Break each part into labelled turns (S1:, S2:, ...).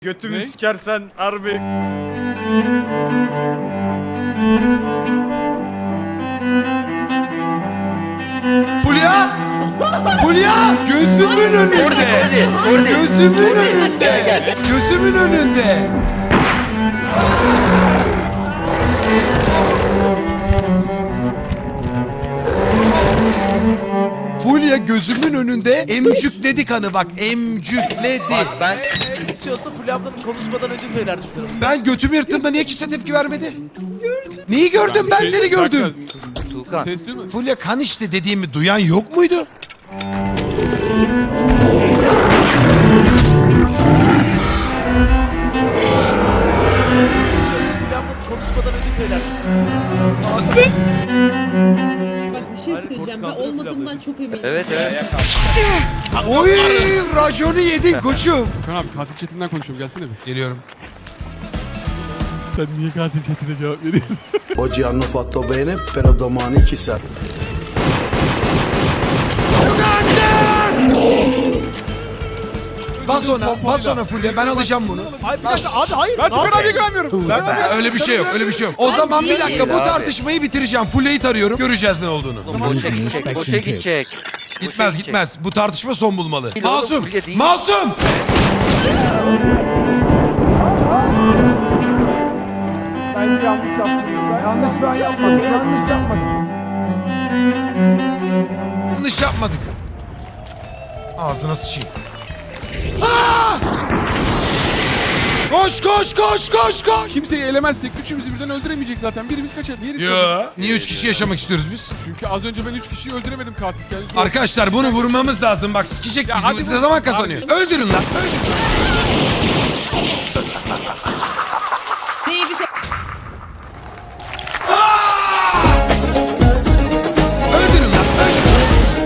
S1: Götümü
S2: Ne?
S1: sikersen harbi.
S3: Fulya! Fulya! Gözümün önünde! Gözümün önünde! Gözümün önünde! Fulya gözümün önünde emcükledi kanı bak, emcükledi.
S4: Ben
S5: Bir şey olsa Fulya ablanın konuşmadan önce söylerdim sana.
S3: Ben götümü yırttığımda niye kimse tepki vermedi? Neyi gördüm? Ben seni gördüm.
S4: Tuğkan.
S2: Ses değil mi?
S3: Fulya kan işte dediğimi duyan yok muydu?
S5: Bir şey olsa Fulya ablanın konuşmadan önce söylerdim.
S6: Bak bir şey
S5: Hayır,
S6: söyleyeceğim. Ben
S5: korkutlandırıyor
S6: olmadığımdan
S5: Fulya
S6: çok eminim.
S4: Evet evet.
S3: Oy, raconu yedin koçum.
S2: Tukan abi katil chatinden konuşuyorum gelsene bir.
S3: Geliyorum.
S2: Sen niye katil chatine cevap veriyorsun?
S7: Oggi hanno fatto bene, però domani chissà.
S3: Bas ona Fulya, ben alacağım bunu.
S5: Ay bir dakika abi hayır.
S2: Ben Tukan abiye güvenmiyorum.
S3: Öyle bir şey yok, öyle bir şey yok. O zaman bir dakika bu
S4: Abi.
S3: tartışmayı bitireceğim. Fulya'yı tarıyorum, göreceğiz ne olduğunu.
S4: Boşa gidecek. Boşa gidecek.
S3: Gitmez gitmez. Bu tartışma son bulmalı.
S4: Değil oğlum,
S3: Masum!
S4: Fulya değil.
S3: Masum!
S8: Bence yanlış yaptım. Yanlış ben yapmadım. Yanlış yapmadım.
S3: Yanlış yapmadık. Ağzına sıçayım. Aa! Koş koş koş koş koş!
S2: Kimseyi elemezsek üçümüzü birden öldüremeyecek zaten. Birimiz kaçar, diğeri kalır.
S3: Ya niye 3 kişi yaşamak istiyoruz biz?
S2: Çünkü az önce ben 3 kişiyi öldüremedim katilken.
S3: Arkadaşlar bunu vurmamız lazım. Bak sikecek
S2: Ya
S3: bizi.
S2: hadi
S3: Ne
S2: vur.
S3: zaman kazanıyor? Öldürün lan. Öldürün.
S6: Değil bir şey.
S3: Öldürün lan. Öldürün.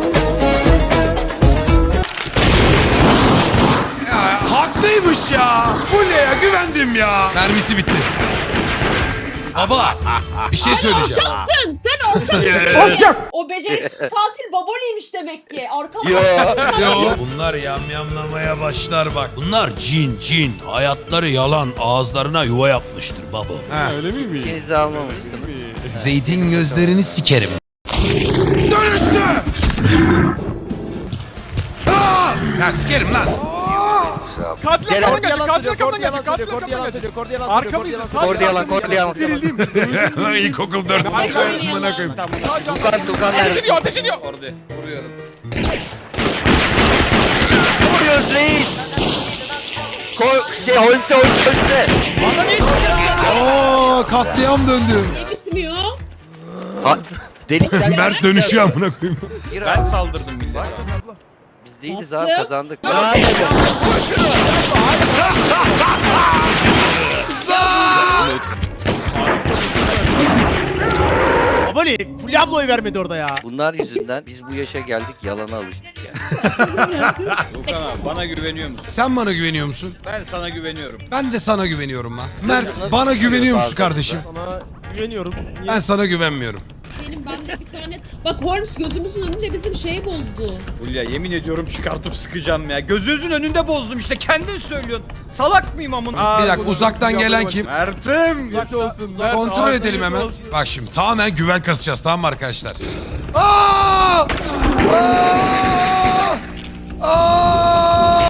S3: Ya, haklıymış ya. Fulya'ya güvendim ya. Mermisi bitti. Baba bir şey söyleyeceğim.
S6: Alçaksın! Sen alçaksın! O beceriksiz katil baboliymiş demek ki. Arkamda.
S3: Yo. Bunlar yamyamlamaya başlar bak. Bunlar cin. Hayatları yalan. Ağızlarına yuva yapmıştır baba. He.
S2: Öyle miyim?
S4: İkinizi almamışsınız.
S3: Zeytin gözlerini sikerim. Dönüştü! Aa! Ya sikerim lan.
S2: Katil
S4: Gel
S2: arkamdan
S4: abi.
S2: gelecek, katil arkamdan
S5: Yalan
S2: gelecek, katil
S5: söylüyor. Kord
S2: arkamdan
S5: yalan
S2: gelecek.
S5: söylüyor. Kord yalan söylüyor.
S2: Arkamızda
S4: Kord yalan, kord yalan.
S2: Gerildim.
S3: İlkokul 4 sınıfı. Amına koyayım.
S4: Tuğkan
S2: Ateş
S4: nerede?
S2: ediyor, ateş ediyor.
S1: Orada vuruyorum.
S4: Vuruyoruz reis. Holse.
S3: Oo, katliam döndü.
S6: Niye bitmiyor?
S4: Ha, delikten
S3: Mert dönüşüyor amına koyayım.
S4: gir
S1: Ben
S4: abi.
S1: saldırdım millete.
S4: Biz değiliz
S6: Bastım.
S4: abi kazandık.
S5: Abone Fulya abla oy vermedi orada ya.
S4: Bunlar yüzünden biz bu yaşa geldik yalana alıştık ya.
S1: Tukan abi bana güveniyor musun?
S3: Sen bana güveniyor musun?
S1: Ben sana güveniyorum.
S3: Ben de sana güveniyorum lan. Mert bana güveniyor musun kardeşim?
S5: Sana güveniyorum. Niye?
S3: Ben sana güvenmiyorum.
S6: Benim bende bir tane... Bak Holmes gözümüzün önünde bizim şeyi bozdu.
S1: Fulya yemin ediyorum çıkartıp sıkacağım ya. Gözünüzün önünde bozdum işte kendin söylüyorsun. Salak mıyım amına?
S3: Bir dakika uzaktan gelen kim?
S1: Mert'im.
S2: Geç olsun.
S3: Kontrol edelim hemen. Bak şimdi tamamen güven kasacağız, tamam mı arkadaşlar? Aa! Aa! Aa!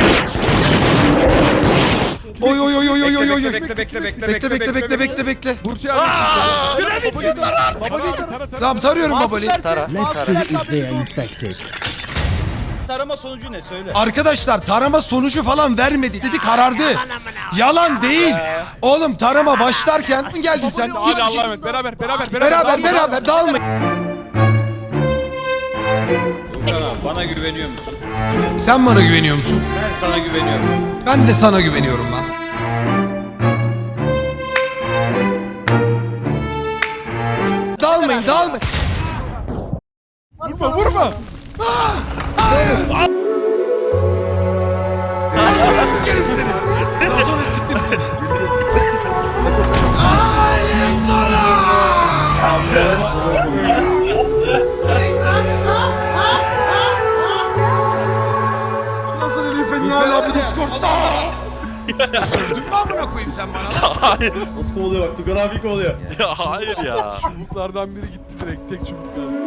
S3: Oy oy oy oy oy oy oy.
S1: Bekle bekle bekle
S3: Bekle.
S2: Burç'u almışsın. Tara.
S3: Tamam tarıyorum babali.
S4: Tara.
S1: Tarama sonucu ne söyle.
S3: Arkadaşlar tarama sonucu falan vermedi. Dedi karardı. Yalan değil. Oğlum tarama başlarken geldin sen.
S2: Hadi
S3: Hiçbir şey...
S2: Allah'a emanet. Beraber.
S3: Beraber dağılmayın.
S1: Tukan abi bana güveniyor musun?
S3: Sen bana güveniyor musun?
S1: Ben sana güveniyorum.
S3: Ben de sana güveniyorum lan. Dağılmayın.
S2: Vurma.
S3: Daha sonra sikerim seni. Daha sonra siktim seni. Ay sonra. Nasıl ölüyor beni hala bu Discord'da? Sövdün mü amına koyayım sen bana lan?
S9: Hayır.
S5: Nasıl kovalıyor bak Tugan abi kovalıyor.
S9: Ya hayır ya.
S2: Çubuklardan biri gitti direkt. Tek çubuk kaldı.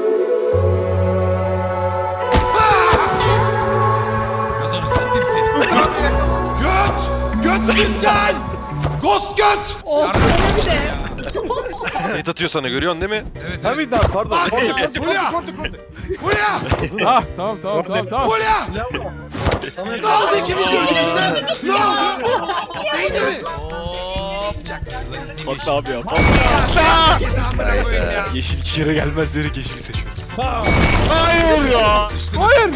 S3: Kazanı siktim seni. Göt! Götsün sen! Ghost göt!
S6: Oh,
S3: Yardım
S6: bir de.
S9: Kayıt atıyor sana görüyorsun değil mi?
S3: Evet evet.
S5: Tabii daha pardon.
S3: Bak! Hulya! Hulya!
S2: Ah tamam.
S3: Hulya! Ne oldu ikimiz de öldük işte? Ne oldu? Neydi mi? Hop! Çak. Şuradan izleyeyim
S5: Bak
S3: yeşil.
S5: abi ya.
S3: Git amına koyayım ya.
S9: Yeşil 2 kere gelmez diyerek yeşili seçiyorum.
S5: Hayır ya.
S3: Sıçtınız. Hayır!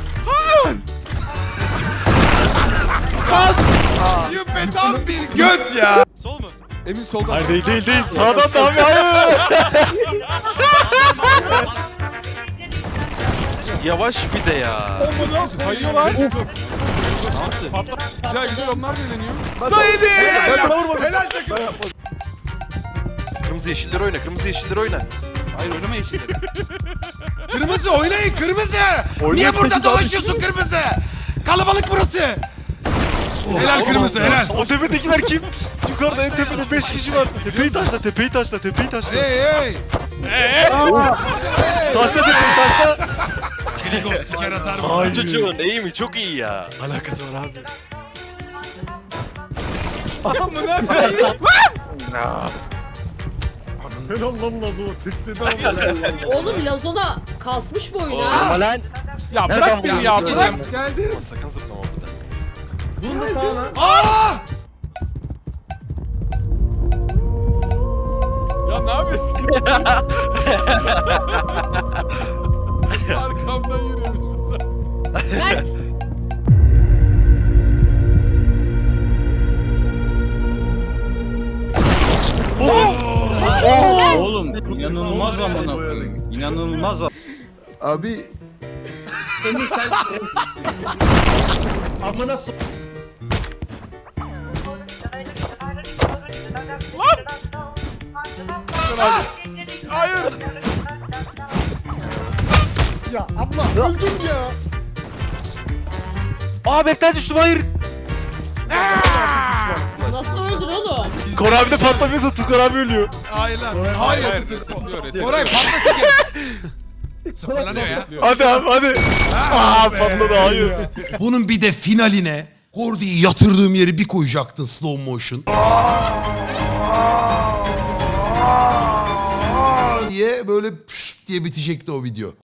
S3: Yüpe tam bir göt ya.
S9: Sol mu?
S2: Emin soldan.
S5: Hayır değil. Sağdan da abi hayır.
S9: Yavaş bir de ya.
S2: Kayıyorlar.
S3: Let's go.
S2: Güzel onlar da eğleniyor.
S3: Helal takım.
S9: Kırmızı yeşilleri oyna. Kırmızı yeşilleri oyna. Hayır oynama yeşilleri.
S3: Kırmızı oynayın kırmızı. Niye burada dolaşıyorsun kırmızı? Kalabalık burası. Helal kırmızı helal.
S5: O tepedekiler kim? Yukarıda en tepede 5 kişi var. Tepeyi taşla.
S3: Hey.
S5: Taşla tepeyi taşla.
S3: Grigos siker atar mı?
S9: Çocuğun iyi mi? Çok iyi ya.
S5: Alakası var abi. Helal lan Lazo.
S6: Oğlum Lazona kasmış bu oyunu.
S2: Ya bırak beni ya bırak.
S3: Sikeceğim.
S2: Geldi.
S9: Ama sakın zıplama burada.
S5: Bunu da sağına.
S3: Aa!
S2: Ya ne yapıyorsun? Arkamdan yürüyormuşsun sen.
S6: Mert.
S1: Oğlum inanılmaz amına koyayım. İnanılmaz.
S8: Abi
S5: Emir sen şerefsizsin. Amına so...
S2: Hayır.
S8: ya abla öldüm ya.
S5: Aa map'ten düştüm hayır.
S6: Nasıl öldün oğlum?
S5: Kor abi de patlamıyorsa Tukar abi ölüyor.
S3: Hayır lan. Hayır. Koray patla siker. Sıfırlanıyor ya.
S5: Hadi abi hadi.
S3: Aa
S5: patladı, hayır.
S3: Bunun bir de finaline Kordi'yi yatırdığım yeri bir koyacaktın slow motion. diye böyle pşt diye bitecekti o video.